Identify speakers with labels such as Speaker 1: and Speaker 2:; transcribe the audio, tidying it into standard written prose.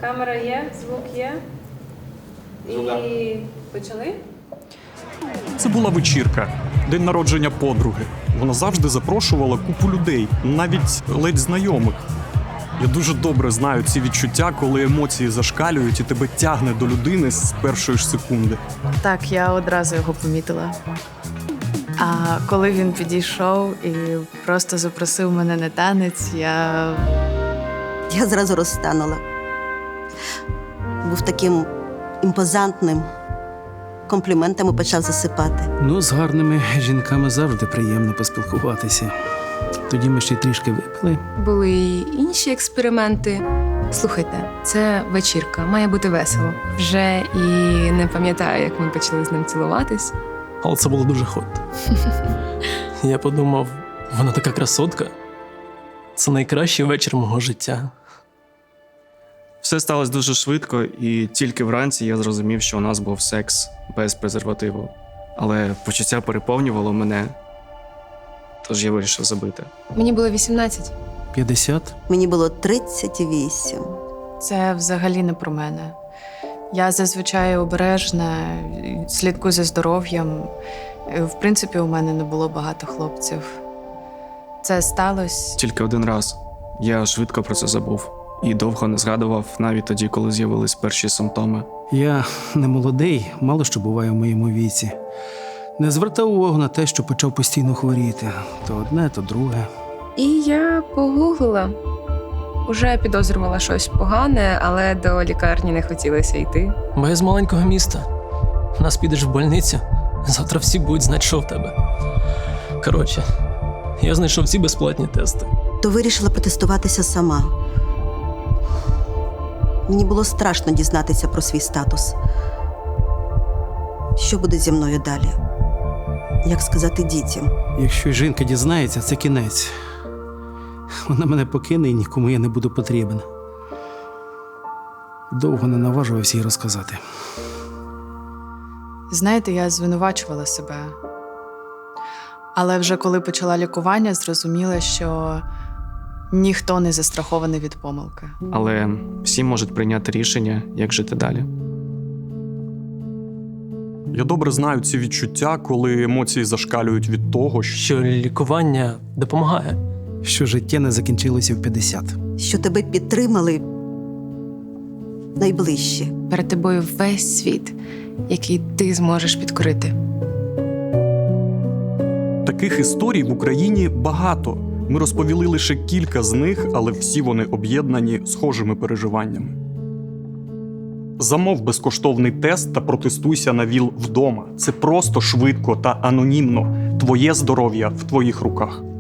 Speaker 1: Камера є, звук є. І почали?
Speaker 2: Це була вечірка, день народження подруги. Вона завжди запрошувала купу людей, навіть ледь знайомих. Я дуже добре знаю ці відчуття, коли емоції зашкалюють і тебе тягне до людини з першої ж секунди.
Speaker 3: Так, я одразу його помітила. А коли він підійшов і просто запросив мене на танець, я
Speaker 4: зразу розтанула. Був таким імпозантним. Компліментами почав засипати.
Speaker 5: Ну, з гарними жінками завжди приємно поспілкуватися. Тоді ми ще й трішки випили.
Speaker 6: Були й інші експерименти. Слухайте, це вечірка, має бути весело. Вже і не пам'ятаю, як ми почали з ним цілуватись.
Speaker 7: Але це було дуже хот. Я подумав, вона така красотка. Це найкращий вечір мого життя.
Speaker 8: Все сталося дуже швидко, і тільки вранці я зрозумів, що у нас був секс без презервативу. Але почуття переповнювало мене, тож я вирішив забити.
Speaker 6: Мені було 18.
Speaker 5: 50.
Speaker 4: Мені було 38.
Speaker 3: це взагалі не про мене. Я зазвичай обережна, слідкую за здоров'ям. В принципі, у мене не було багато хлопців. Це сталося.
Speaker 8: Тільки один раз. Я швидко про це забув. І довго не згадував, навіть тоді, коли з'явились перші симптоми.
Speaker 5: Я не молодий, мало що буває в моєму віці. Не звертав увагу на те, що почав постійно хворіти. То одне, то друге.
Speaker 6: І я погуглила. Уже підозрювала щось погане, але до лікарні не хотілося йти.
Speaker 7: Бо я з маленького міста. Нас підеш в больницю, завтра всі будуть знати, що в тебе. Коротше, я знайшов всі безплатні тести.
Speaker 4: То вирішила протестуватися сама. Мені було страшно дізнатися про свій статус. Що буде зі мною далі? Як сказати дітям?
Speaker 5: Якщо жінка дізнається, це кінець. Вона мене покине і нікому я не буду потрібен. Довго не наважувався їй розказати.
Speaker 3: Знаєте, я звинувачувала себе. Але вже коли почала лікування, зрозуміла, що ніхто не застрахований від помилки.
Speaker 8: Але всі можуть прийняти рішення, як жити далі.
Speaker 2: Я добре знаю ці відчуття, коли емоції зашкалюють від того, що
Speaker 7: Що лікування допомагає.
Speaker 5: Що життя не закінчилося в 50.
Speaker 4: Що тебе підтримали найближчі.
Speaker 6: Перед тобою весь світ, який ти зможеш підкорити.
Speaker 2: таких історій в Україні багато. Ми розповіли лише кілька з них, але всі вони об'єднані схожими переживаннями. Замов безкоштовний тест та протестуйся на ВІЛ вдома. Це просто, швидко та анонімно. Твоє здоров'я в твоїх руках.